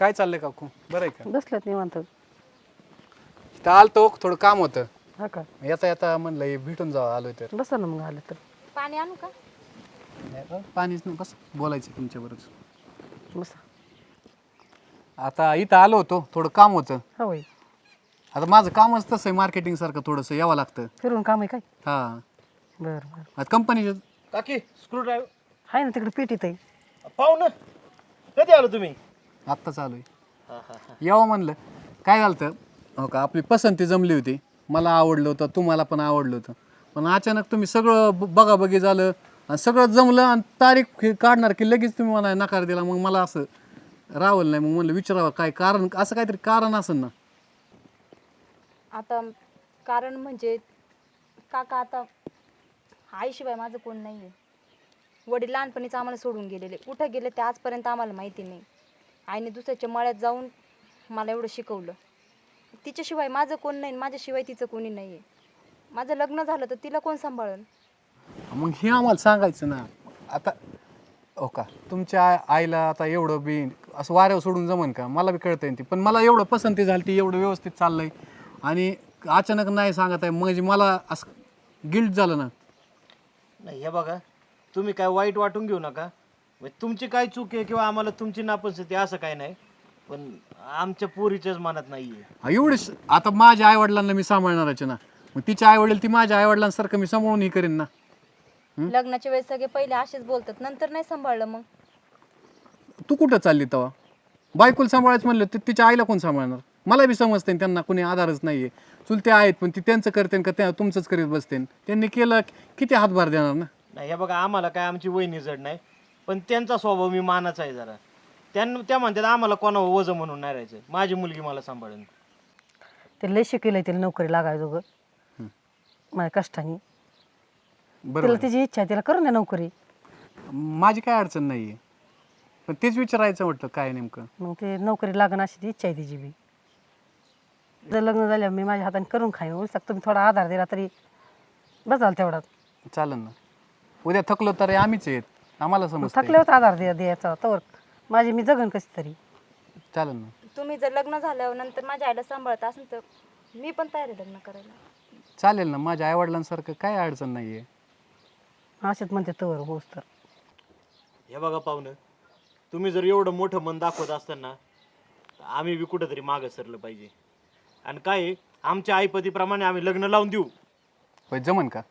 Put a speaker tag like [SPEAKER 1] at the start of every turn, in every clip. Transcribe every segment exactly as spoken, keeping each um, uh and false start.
[SPEAKER 1] काय चाललंय काकू? बरं आहे का?
[SPEAKER 2] बसल्यात निवांत.
[SPEAKER 1] इथं आलतो थोडं काम होतं.
[SPEAKER 2] हा का?
[SPEAKER 1] येता येता म्हणलं हे भेटून जावं आलोय तर.
[SPEAKER 2] बसा ना मग आलं तर.
[SPEAKER 3] पाणी आणू का?
[SPEAKER 1] पाणीच नाही बस बोलायचं तुमच्याबरोबर.
[SPEAKER 2] बसा.
[SPEAKER 1] आता इथं आलो होतो थोडं काम होतं.
[SPEAKER 2] हा होय.
[SPEAKER 1] आता माझं कामच तसं आहे मार्केटिंग सारखं थोडंसं यावं लागतं.
[SPEAKER 2] फिरून काम आहे काय?
[SPEAKER 1] हा
[SPEAKER 2] बरं बरं.
[SPEAKER 1] आता कंपनीचं
[SPEAKER 4] काकी स्क्रू ड्रायव्हर
[SPEAKER 2] आहे ना तिकडे पेटीत आहे.
[SPEAKER 4] पाहू ना कधी आलो तुम्ही?
[SPEAKER 1] आत्ता चालू आहे. यावं म्हणलं काय झालं तर हो का आपली पसंती जमली होती. मला आवडलं होतं तुम्हाला पण आवडलं होतं. पण अचानक तुम्ही सगळं ब- बघाबघी झालं आणि सगळं जमलं आणि तारीख हे काढणार की लगेच तुम्ही मला नकार दिला. मग मला असं रावलं नाही. मग म्हणलं विचारावं काय कारण असं काहीतरी कारण असेल ना.
[SPEAKER 3] आता कारण म्हणजे काका आता आईशिवाय माझं कोण नाही आहे. वडील लहानपणीच आम्हाला सोडून गेलेले. कुठं गेले ते आजपर्यंत आम्हाला माहिती नाही. आईने दुसऱ्याच्या मळ्यात जाऊन मला एवढं शिकवलं. तिच्याशिवाय माझं कोण नाही, माझ्याशिवाय तिचं कोणी नाही आहे. माझं लग्न झालं तर तिला कोण सांभाळन?
[SPEAKER 1] मग हे आम्हाला सांगायचं ना. आता हो का तुमच्या आ- आईला आता एवढं बी असं वाऱ्यावर सोडून जमन का? मला बी कळतं ती. पण मला एवढं पसंती झाली ती एवढं व्यवस्थित चाललंय आणि अचानक नाही सांगत आहे म्हणजे मला असं गिल्ट झालं ना.
[SPEAKER 4] नाही हे बघा तुम्ही काय वाईट वाटून घेऊ नका. म्हणजे तुमची काय चूक आहे किंवा आम्हाला तुमची नापसंती असं काय नाही. पण आमच्या पोरीच्याच मनात नाहीये.
[SPEAKER 1] हा, एवढे स- आता माझ्या आईवडिलांना मी सांभाळणारच ना. मग तिच्या आईवडील ती माझ्या आईवडिलांसारखं मी सांभाळून ही करेन ना.
[SPEAKER 3] लग्नाच्या वेळेस सगळे पहिले असेच बोलतात, नंतर नाही सांभाळलं. मग
[SPEAKER 1] तू कुठं चालली तेव्हा? बायकोला सांभाळायचं म्हणलं तर तिच्या आईला कोण सांभाळणार? मला बी समजते त्यांना कोणी आधारच नाहीये. चुलते आहेत पण ती त्यांचं करते का त्या तुमचंच करीत बसते. त्यांनी केलं किती हातभार देणार ना.
[SPEAKER 4] नाही हे बघा आम्हाला काय आमची वहिनी जड नाही. पण त्यांचा स्वभाव मी मानाचा आहे जरा. त्यांना त्या म्हणतात आम्हाला कोणावर वजं म्हणून नाही राहायचं. माझी मुलगी मला सांभाळून.
[SPEAKER 2] ते लय शिकेलंय तिला नोकरी लागायचं ग माझ्या कष्टाने.
[SPEAKER 1] बरोबर
[SPEAKER 2] तिला तिची इच्छा आहे तिला करून द्या नोकरी.
[SPEAKER 1] माझी काय अडचण नाहीये. पण तेच विचारायचं म्हटलं काय नेमकं.
[SPEAKER 2] मग ते नोकरी लागण अशी ती इच्छा आहे तिची बी. जर लग्न झाल्यावर मी माझ्या हाताने करून खाईन. उलट तुम्ही थोडा आधार दिला तरी बसाल तेवढा.
[SPEAKER 1] चालेल ना. उद्या थकलो तर आम्हीच आहेत. आम्हाला समजतं.
[SPEAKER 2] थकल्यावर आधार द्या द्यायचा तर माझी मी जगन कशी तरी.
[SPEAKER 1] चालेल ना.
[SPEAKER 3] तुम्ही जर लग्न झाल्यावर नंतर माझ्या आईला सांभाळत असेल तर मी पण तयार आहे लग्न करायला.
[SPEAKER 1] चालेल ना. माझ्या आईवडिलांसारखं काय अडचण नाहीये.
[SPEAKER 2] असेच म्हणते तवर होस तर.
[SPEAKER 4] हे बघा पाहुणं तुम्ही जर एवढं मोठं मन दाखवत असताना तर आम्ही बी कुठंतरी मागं सरलं पाहिजे. आणि काय आहे, आमच्या आईपतीप्रमाणे आम्ही लग्न लावून देऊ.
[SPEAKER 1] होय जमन का?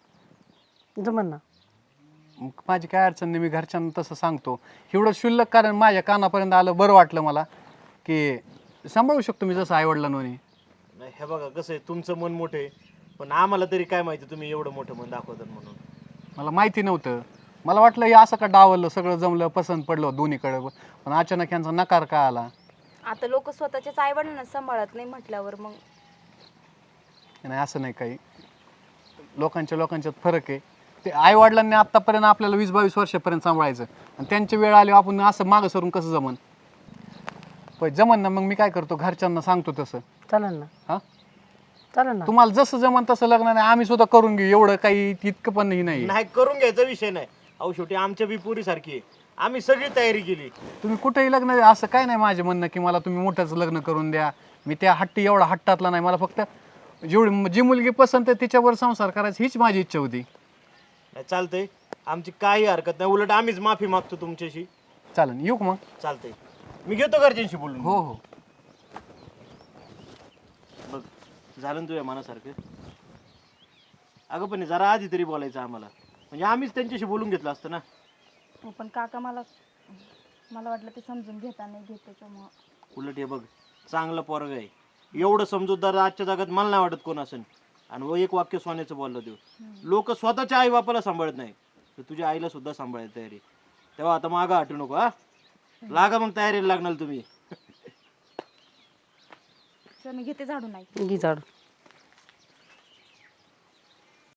[SPEAKER 2] जमन ना.
[SPEAKER 1] मग माझी काय अडचण नाही. मी घरच्यांना तसं सांगतो. एवढं शुल्लक कारण माझ्या कानापर्यंत आलं बरं वाटलं मला की सांभाळू शकतो मी जसं आईवडिलांनी.
[SPEAKER 4] नाही हे बघा कसं आहे तुमचं मन मोठं आहे. पण आम्हाला तरी काय माहिती तुम्ही एवढं मोठं मन दाखवतात म्हणून.
[SPEAKER 1] मला माहिती नव्हतं. मला वाटलं हे असं का डावललं सगळं जमलं पसंत पडलं दोन्हीकडं. पण अचानक यांचा नकार का आला?
[SPEAKER 3] आता लोक स्वतःच्याच आईवडिलांना सांभाळत नाही म्हटल्यावर मग
[SPEAKER 1] नाही असं नाही काही. लोकांच्या लोकांच्यात फरक आहे. ते आईवडिलांनी आत्तापर्यंत आपल्याला वीस बावीस वर्षापर्यंत सांभाळायचं आणि त्यांची वेळ आली आपण असं मागं सरून कसं जमन? पण जमन ना. मग मी काय करतो घरच्यांना सांगतो तसं.
[SPEAKER 2] चालेल ना.
[SPEAKER 1] हां
[SPEAKER 2] चालेल ना.
[SPEAKER 1] तुम्हाला जसं जमन तसं लग्न नाही आम्ही सुद्धा करून घेऊ. एवढं काही इतकं पण नाही.
[SPEAKER 4] नाही करून घ्यायचा विषय नाही. अहो शेवटी आमच्या बी पोरीसारखी आहे. आम्ही सगळी तयारी केली.
[SPEAKER 1] तुम्ही कुठेही लग्न असं काय नाही माझे म्हणणं की मला तुम्ही मोठंच लग्न करून द्या. मी त्या हट्टी एवढा हट्टातला नाही. मला फक्त जेवढी जी मुलगी पसंत आहे तिच्यावर संसार करायची हीच माझी इच्छा होती.
[SPEAKER 4] नाही चालतंय आमची काही हरकत नाही. उलट आम्हीच माफी मागतो तुमच्याशी.
[SPEAKER 1] चालेल येऊ का मग?
[SPEAKER 4] चालतंय मी घेतो घरच्यांशी बोलून.
[SPEAKER 1] हो हो.
[SPEAKER 4] बघ झालं ना तुझ्या मनासारखं. अगं पण जरा आधी तरी बोलायचं आम्हाला. म्हणजे आम्हीच त्यांच्याशी बोलून घेतलं असतं ना.
[SPEAKER 3] हो, पण काका मला मला वाटलं ते समजून घेता नाही घेत त्याच्यामुळं.
[SPEAKER 4] उलट हे बघ चांगलं पोरग आहे. एवढं समजूतदार आजच्या जगात मला नाही वाटत कोण असेल. आणि व एक वाक्य सोन्याचं बोललं देऊ. लोक स्वतःच्या आई बापाला सांभाळत नाही तर तुझ्या आईला सुद्धा सांभाळायची तयारी. तेव्हा आता मागं हटू नको. हा लागा मग तयारीला लागणार तुम्ही.
[SPEAKER 3] चल मी घेते झाडू नाही
[SPEAKER 2] घे झाडू.